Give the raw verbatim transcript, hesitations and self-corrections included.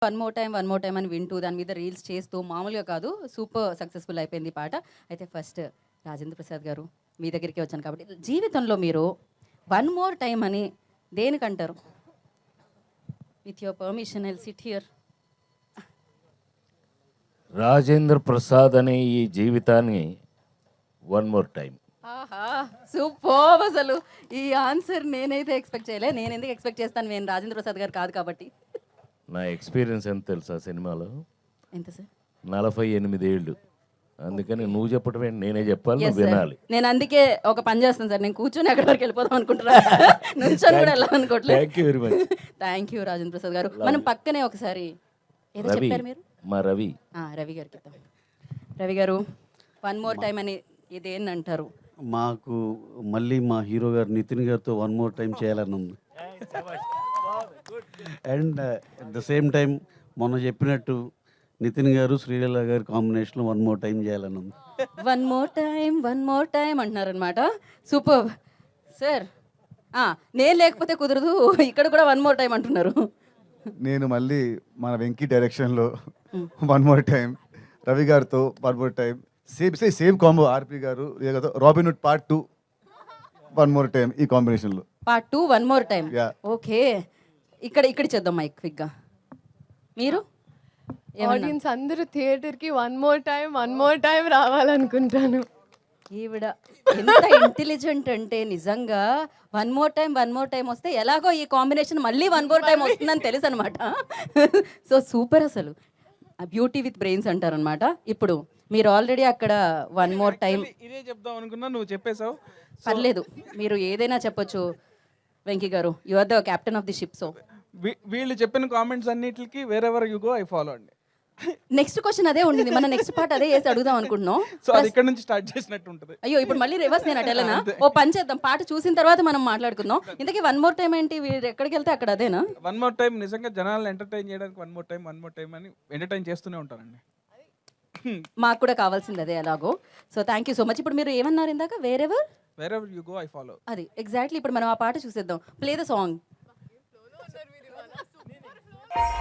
One more time one more time అని వింటూ దాని మీద రీల్స్ చేస్తూ మామూలుగా కాదు సూపర్ సక్సెస్ఫుల్ అయిపోయింది ఈ పాట. అయితే ఫస్ట్ రాజేంద్ర ప్రసాద్ గారు మీ దగ్గరికి వచ్చాను కాబట్టి జీవితంలో మీరు వన్ మోర్ టైమ్ అని దేనికంటారు? With your permission I'll sit here. Rajendra Prasad అనే ఈ జీవితాన్ని వన్ మోర్ టైం. ఆహా సూపర్. అసలు ఈ ఆన్సర్ నేనైతే ఎక్స్పెక్ట్ చేయలే. నేను ఎందుకు ఎక్స్పెక్ట్ చేస్తాను, నేను రాజేంద్ర ప్రసాద్ గారు కాదు కాబట్టి. నా ఎక్స్పీరియన్స్ ఎంత తెలుసా సినిమాలో? ఎంత సార్? నలభై ఎనిమిది ఏళ్ళు. అందుకని నువ్వు చెప్పటమే నేనే చెప్పాలి, Yes, నువ్వు sir. వినాలి. నేను అందుకే ఒక పని చేస్తాను సార్, నేను కూర్చొని అక్కడి వరకు వెళ్ళిపోదాం అనుకుంటున్నా. నుంచొని కూడా వెళ్ళాలనుకోవట్లేదు. Thank you very much. Thank you Rajendra Prasad గారు. మనం పక్కనే ఒకసారి ఏదో రవి, చెప్పారు మీరు. మా రవి. ఆ, రవి గారికి ఇద్దాం. రవి గారు వన్ మోర్ టైం అని ఇదేంటి అంటారు? మాకు మళ్ళీ మా హీరో గారు నితిన్ గారితో వన్ మోర్ టైం చేయాలని ఉంది. And at the same time మొన్న చెప్పినట్టు నితిన్ గారు శ్రీలీల గారి కాంబినేషన్లో వన్ మోర్ టైం చేయాలని ఉంది. One more time one more time అంటున్నారనమాట. Super sir. నేను లేకపోతే కుదరదు, ఇక్కడ కూడా వన్ మోర్ టైం అంటున్నారు. నేను మళ్ళీ మన వెంకీ డైరెక్షన్లో వన్ మోర్ టైం, రవి గారితో one more time, same same same combo RP గారు Robin Hood part two one more time ఈ కాంబినేషన్లో. Part two one more time. Yeah. Okay, ఇక్కడ ఇక్కడ చేద్దాం మైక్ క్విక్గా. మీరు ఏమన్నా? ఆడియన్స్ అందరూ థియేటర్కి one more time one more time రావాలనుకుంటాను. ఈవిడ ఎంత ఇంటెలిజెంట్ అంటే నిజంగా one more time one more time వస్తే ఎలాగో ఈ కాంబినేషన్ మళ్ళీ వన్ మోర్ టైం వస్తుందని తెలుసు అనమాట. So super. అసలు బ్యూటీ విత్ బ్రెయిన్స్ అంటారనమాట. ఇప్పుడు మీరు ఆల్రెడీ అక్కడ వన్ మోర్ టైం ఇదే చెప్దాం అనుకున్నా, నువ్వు చెప్పేశావు. పర్లేదు, మీరు ఏదైనా చెప్పొచ్చు వెంకీ గారు. You are the captain of the ship. So we- వీళ్ళు చెప్పిన కామెంట్స్ అన్నిటికి wherever you go I follow అండి. నెక్స్ట్ క్వశ్చన్ అదే ఉండింది, మన నెక్స్ట్ పార్ట్ అదే వేసి అడుగుదాం అనుకుంటున్నాం. సో అది ఇక్కడ నుంచి స్టార్ట్ చేసినట్టు ఉంటుంది. అయ్యో ఇప్పుడు మళ్ళీ రివర్స్ నేను అటెళ్ళనా? ఓ పని చేద్దాం, పాట చూసిన తర్వాత మనం మాట్లాడుకుందాం. ఇంతకీ వన్ మోర్ టైం ఏంటి? వీరు ఎక్కడికి వెళ్తే అక్కడ అదేనా? వన్ మోర్ టైం నిజంగా జనాలను ఎంటర్టైన్ చేయడానికి one more time one more time అని ఎంటర్టైన్ చేస్తూనే ఉంటానండి. మాకు కూడా కావాల్సింది అదే ఎలాగో. So thank you so much. ఇప్పుడు మీరు ఏమన్నారు ఇందాక? Wherever wherever you go I follow. అది ఎగ్జాక్ట్లీ. ఇప్పుడు మనం ఆ పాట చూసేద్దాం. Play the song.